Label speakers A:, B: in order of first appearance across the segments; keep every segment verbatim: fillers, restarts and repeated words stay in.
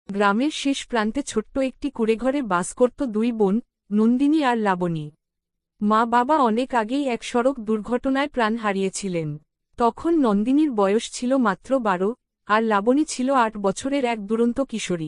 A: গ্রামের শেষ প্রান্তে ছোট্ট একটি কুঁড়েঘরে বাস করত দুই বোন, নন্দিনী আর লাবণী। মা বাবা অনেক আগেই এক সড়ক দুর্ঘটনায় প্রাণ হারিয়েছিলেন। তখন নন্দিনীর বয়স ছিল মাত্র বারো, আর লাবণী ছিল আট বছরের এক দুরন্ত কিশোরী।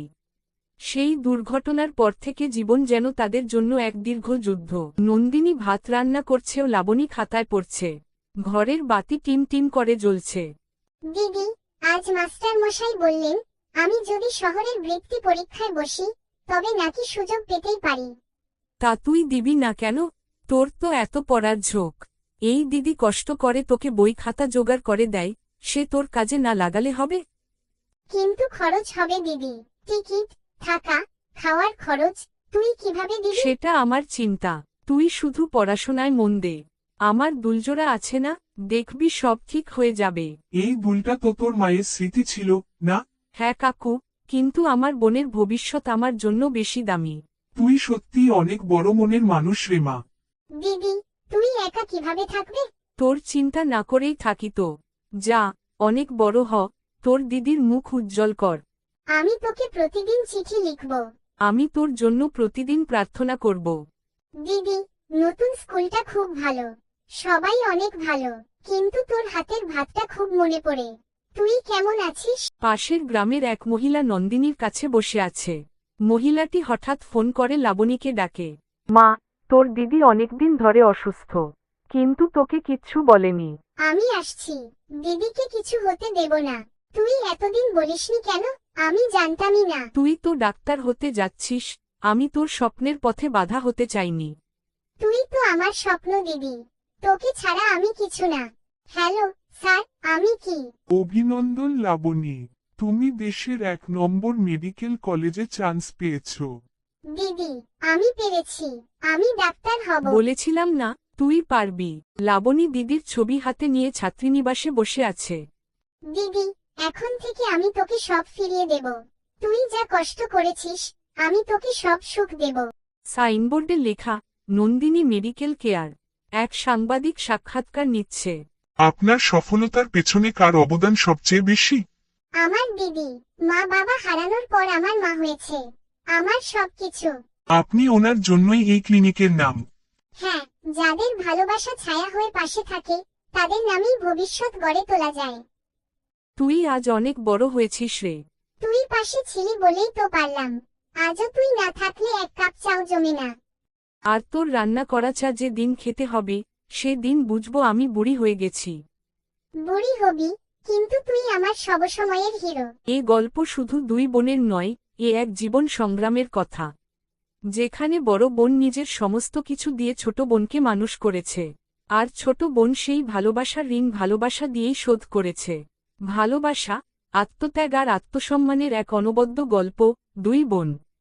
A: সেই দুর্ঘটনার পর থেকে জীবন যেন তাদের জন্য এক দীর্ঘ যুদ্ধ। নন্দিনী ভাত রান্না করছে ও লাবণী খাতায় পড়ছে। ঘরের বাতি টিম টিম করে জ্বলছে।
B: দিদি, আজ মাস্টার মশাই বললেন আমি যদি শহরের বৃত্তি পরীক্ষায় বসি তবে নাকি সুযোগ পেতেই পারি।
A: তা তুই দিবি না কেন? তোর তো এত পড়ার ঝোঁক। এই দিদি কষ্ট করে তোকে বই খাতা জোগাড় করে দেয়, সে তোর কাজে না লাগালে হবে?
B: কিন্তু খরচ হবে দিদি, টিকিট, থাকা, খাওয়ার খরচ তুই কিভাবে দিবি?
A: সেটা আমার চিন্তা। তুই শুধু পড়াশোনায় মন দে। আমার দুলজোড়া আছে না, দেখবি সব ঠিক হয়ে যাবে।
C: এই দুলটা তো তোর মায়ের স্মৃতি ছিল, না?
A: হ্যাঁ কাকু, কিন্তু আমার বোনের ভবিষ্যৎ আমার জন্য বেশি দামি।
C: তুই সত্যিই অনেক বড় মনের মানুষ রে মা।
B: দিদি, তুই একা কিভাবে থাকবে?
A: তোর চিন্তা না করেই থাকি তো। যা, অনেক বড় হ, তোর দিদির মুখ উজ্জ্বল কর।
B: আমি তোকে প্রতিদিন চিঠি লিখব।
A: আমি তোর জন্য প্রতিদিন প্রার্থনা করব।
B: দিদি, নতুন স্কুলটা খুব ভালো, সবাই অনেক ভালো, কিন্তু তোর হাতের ভাতটা খুব মনে পড়ে। তুই কেমন আছিস?
A: পাশের গ্রামের এক মহিলা নন্দিনীর কাছে বসে আছে। মহিলাটি হঠাৎ ফোন করে লাবণীকে ডাকে। মা, তোর দিদি অনেকদিন ধরে অসুস্থ, কিন্তু তোকে কিচ্ছু বলেনি।
B: আমি আসছি, দিদিকে কিছু হতে দেব না। তুই এতদিন বলিসনি কেন? আমি জানতামই না।
A: তুই তো ডাক্তার হতে যাচ্ছিস, আমি তোর স্বপ্নের পথে বাধা হতে চাইনি।
B: তুই তো আমার স্বপ্ন দিদি, তোকে ছাড়া আমি কিছু না। হ্যালো স্যার, আমি কি?
C: অভিনন্দন লাবণী, তুমি দেশের এক নম্বর মেডিকেল কলেজে চান্স পেয়েছো।
B: দিদি, আমি পেরেছি, আমি ডাক্তার হব।
A: বলেছিলাম না, তুই পারবি। লাবণী দিদির ছবি হাতে নিয়ে ছাত্রীনিবাসে বসে আছে।
B: দিদি, এখন থেকে আমি তোকে সব ফিরিয়ে দেব। তুই যা কষ্ট করেছিস, আমি তোকে সব সুখ দেব।
A: সাইনবোর্ডে লেখা, নন্দিনী মেডিকেল কেয়ার। এক সাংবাদিক সাক্ষাৎকার নিচ্ছে।
C: আপনার সফলতার পেছনে কার অবদান সবচেয়ে বেশি?
B: আমার দিদি, মা বাবা হারানোর পর আমার মা হয়েছে আমার সবকিছু।
C: আপনি ওনার জন্যই এই ক্লিনিকের নাম।
B: হ্যাঁ, যাদের ভালোবাসা ছায়া হয়ে পাশে থাকে তাদের নামেই ভবিষ্যৎ গড়ে তোলা যায়।
A: তুই আজ অনেক বড় হয়েছিস রে।
B: তুই পাশে ছিলি বলেই তো পারলাম। আজও তুই না থাকলে এক কাপ চাও জমে না।
A: আর তোর রান্না করা চা যে দিন খেতে হবে, সে দিন বুঝবো আমি বুড়ি হয়ে গেছি।
B: বুড়ি হবি, কিন্তু তুই আমার সবসময়ের হিরো।
A: এ গল্প শুধু দুই বোনের নয়, এ এক জীবন সংগ্রামের কথা, যেখানে বড় বোন নিজের সমস্ত কিছু দিয়ে ছোট বোনকে মানুষ করেছে, আর ছোট বোন সেই ভালোবাসার ঋণ ভালোবাসা দিয়েই শোধ করেছে। ভালোবাসা, আত্মত্যাগ আর আত্মসম্মানের এক অনবদ্য গল্প, দুই বোন।